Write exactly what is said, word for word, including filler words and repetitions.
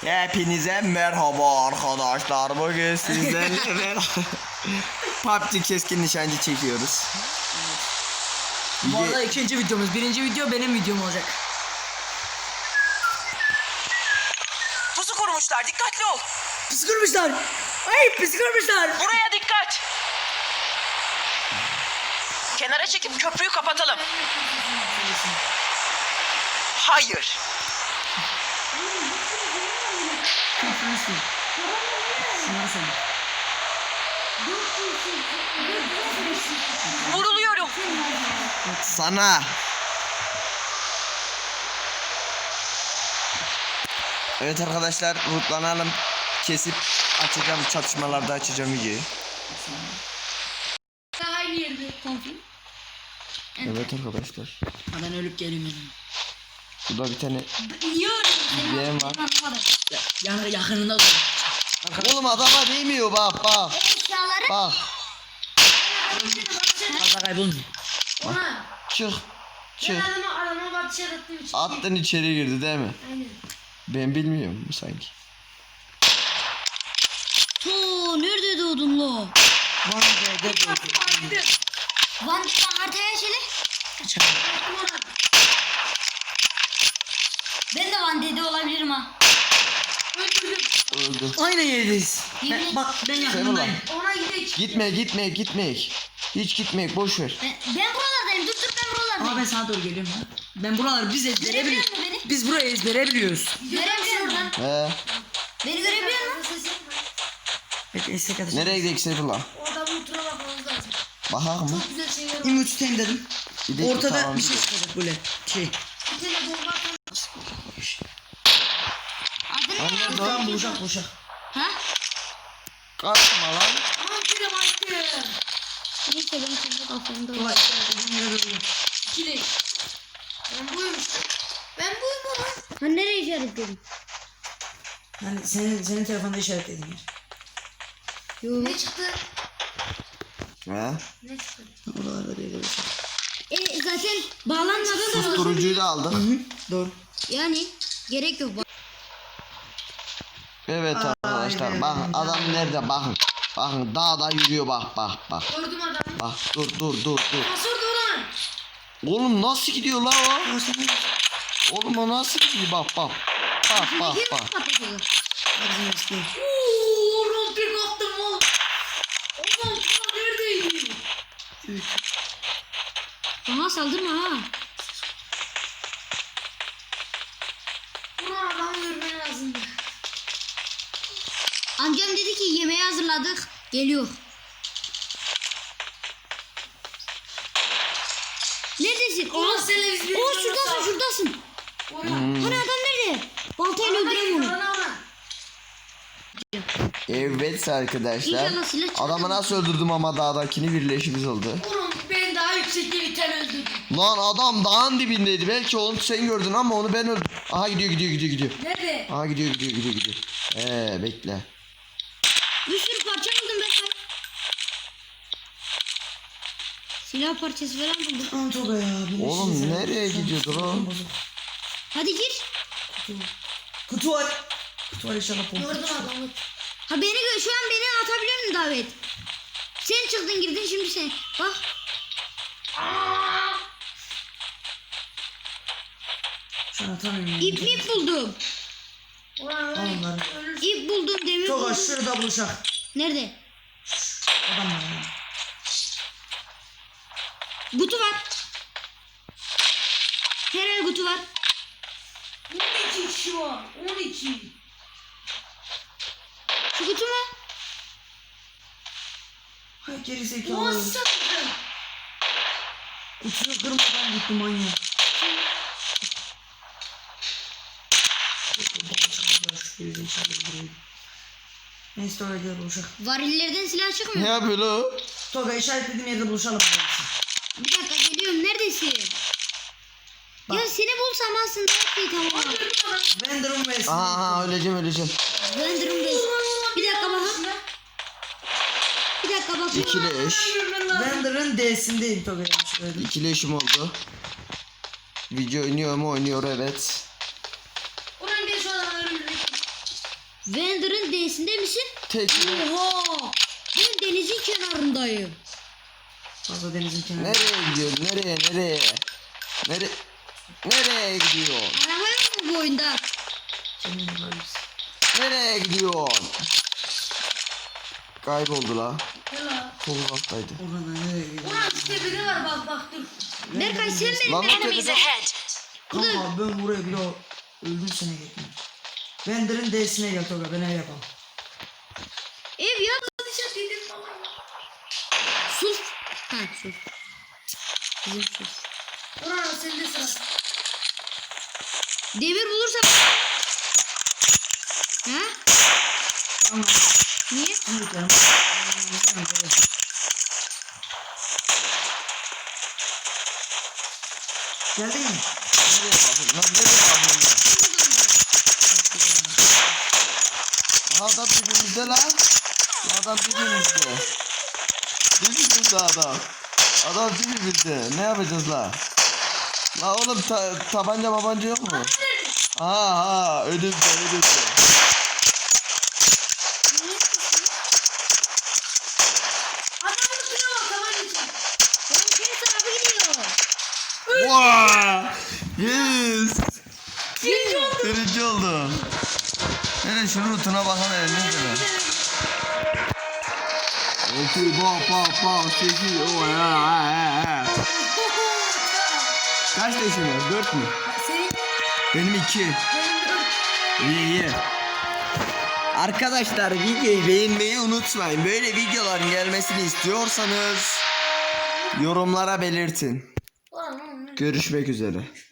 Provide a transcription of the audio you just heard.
Hepinize merhaba arkadaşlar. Bugün sizlerle beraber P U B G keskin nişancı çekiyoruz. Bu arada ikinci videomuz. Birinci video benim videom olacak. Pusu kurmuşlar, dikkatli ol. Pis kırmışlar. Ay pis kırmışlar. Buraya dikkat. Kenara çekip köprüyü kapatalım. Hayır. Vuruluyorum. Sana. Evet arkadaşlar, rutlanalım. Kesip açacağım, çatışmalarda açacağım videoyu. Aynı yerde konflik. Evet arkadaşlar. Ben ölüp geleyim benim. Burada bir tane Biliyorum. yeğen var. Yan, yakınında dur. Oğlum adama değmiyor, bak bak. Eşyaları Bak. Fazla kaybolmuyor. ona. Çık. Ben Çık. adama adama bak dışarı attığım için. Attın içeri girdi değil mi? Aynen. Ben bilmiyorum sanki. To nerede doğdun lo? Van D'de doğdum. Van D'den haritaya şöyle. Ben de Van D'de olabilirim ha. Öldürdüm. Öldü. Aynı yerdeyiz. Yemin- Ben, bak ben Sen yakınındayım. Ona gidelim. Gitme gitme gitme. Hiç gitme, boş ver. Ben, ben buralardayım. Dur dur ben Ama buralardayım. ben sana doğru geliyorum ha. Ben buraları biz ezbere Görebiliyor biliyoruz. musun beni? Biz burayı ezbere biliyoruz. Görebiliyor musun? He. Beni görebiliyor musun? Bekle istek atacağım. Nereye gidelim Seyfullah? Orada bu tura bakmamız lazım. Bakak mı? Güzel şeyler var. İmut tutayım dedim. Gidelim, Ortada tamam, bir şey gidelim. çıkacak böyle. Şey. Bir tane bomba atalım. Adı ne? Anne, Tamam bulacak bulacak. Ha? Kaçma lan. Aman kire baktım. Neyse benim şimdi kafamda Kolay. Dediğim yere duruyor. İkili. Ben buyum işte. Ben buyum ama. Ha nereye işaretledin? Yani senin senin telefonda işaretledin yer. Yok. Ne çıktı? He? Ne çıktı? Oralarda bir yere şey. E zaten bağlanmadan da Susturucuyu da aldık. Doğru. yani gerek yok. Evet arkadaşlar, Aynen. bakın adam nerede, bakın. Bakın dağda yürüyor, bak bak bak. Gördüm adamı. Bak dur dur dur dur. Nasıl duran? Oğlum nasıl gidiyor lan o? Ama sen ne Oğlum o nasıl gidiyor, bak bak. Bak bak Kim bak. patlatıyor? bizim eski. Ooo rompik attım oğlum. Oğlum sana neredeydi? Bana saldırma ha. Buna adam görmen lazımdı. Amcam dedi ki yemeği hazırladık. Geliyor. Neredesin? Aa, Oo şuradasın şuradasın. Hmm. Hani adam nerede? Baltayla öldüreyim onu. Evet arkadaşlar. İnşallah silah çıkar. Adamı nasıl öldürdüm ama dağdakini birleşimiz oldu. Oğlum ben daha yüksekte bir tane öldürdüm. Lan adam dağın dibindeydi. Belki onu sen gördün ama onu ben öldürdüm. Aha gidiyor gidiyor gidiyor gidiyor. Nerede? Aha gidiyor gidiyor gidiyor gidiyor. Ee bekle. Bir sürü parça buldum ben. Silah parçası falan buldum. Aman Toga ya. birleşiriz Oğlum ya. nereye gidiyordur o? Hadi gir. Kutu var. Kutu var inşallah pompa. Gördüm adamı. Ha beni gö şu an beni atabiliyor musun davet? Sen çıktın girdin şimdi sen. Bak. Şu an atamıyorum. ya. İp mip buldum. Al onları. İp buldum demir Toga buldum. şurada buluşak. Nerede? Adam var ya. Kutu var. Herhalde kutu var. on iki kişi var. on iki. Şu kutu mu? Hay geri zekalı. Kutuyu kırmadan gitti manyak. Geri zekalı buraya. Neyse Toga gel buluşak. Varillerden silah Ne çıkmıyor. yapıyor lan o? Toga işaretlediğim yerde buluşalım. Bir dakika geliyorum. Neredesin? Bak. Ya seni bulsam aslında her şey tamam. Vender'ın ve Aha aha öleceğim öleceğim. Render'ımdayız. Bir dakika bakın. Bir dakika bakın. İkili eş. Vender'ın D'sindeyim Toga yanlış söyledim. İkili eşim oldu. Video oynuyor mu? Oynuyor, evet. Ulan bir şu an öldürdük. Wender'ın D'sinde misin? Tek. Oha! Ben denizin kenarındayım. Fazla denizin kenarında. Nereye gidiyorsun? Nereye? Nereye? Nere Nereye gidiyorsun? Araba yok mu bu oyunda? Senin varız. Nereye gidiyorsun? Kayboldu la. Yala. Çok uzaktaydı. Oradan nereye gidiyor? Ulan işte biri var bak bak dur. Berkay sen benim Lan o yanıma Enemies tepede. ahead. Kanka ben buraya bile öldüm sene gittim. Bender'in D'sine gel Toga ben ev yapamam. Ev ya dışarı dedim baba. Sus. Ha sus. Bizim sus. Ulan sende sıra. Demir bulursam. Ha? Ama Niye? şimdi canım. Geldin mi? Nereye bakıyorsun? Lan nereye bakıyorsun? Adam dibimizde lan. Adam dibimizde. Dibimizde adam. Adam dibimizde. Ne yapacağız la? La oğlum ta tabanca babanca yok mu? Ha ha önümde önümde. Adamın suya bak tamam için. Oğlum senin tarafı gidiyor. Wow! Yes! Birinci oldu. Birinci oldu. Hele şunun rutuna bakalım elini şöyle. İki, bak bak bak, sekiz, o ya ya ya. Kaç yaşın var? Dört mü? Senin Benim iki. benim dört. İyi iyi. Arkadaşlar videoyu beğenmeyi unutmayın. Böyle videoların gelmesini istiyorsanız yorumlara belirtin. Ulan oğlum. Görüşmek üzere.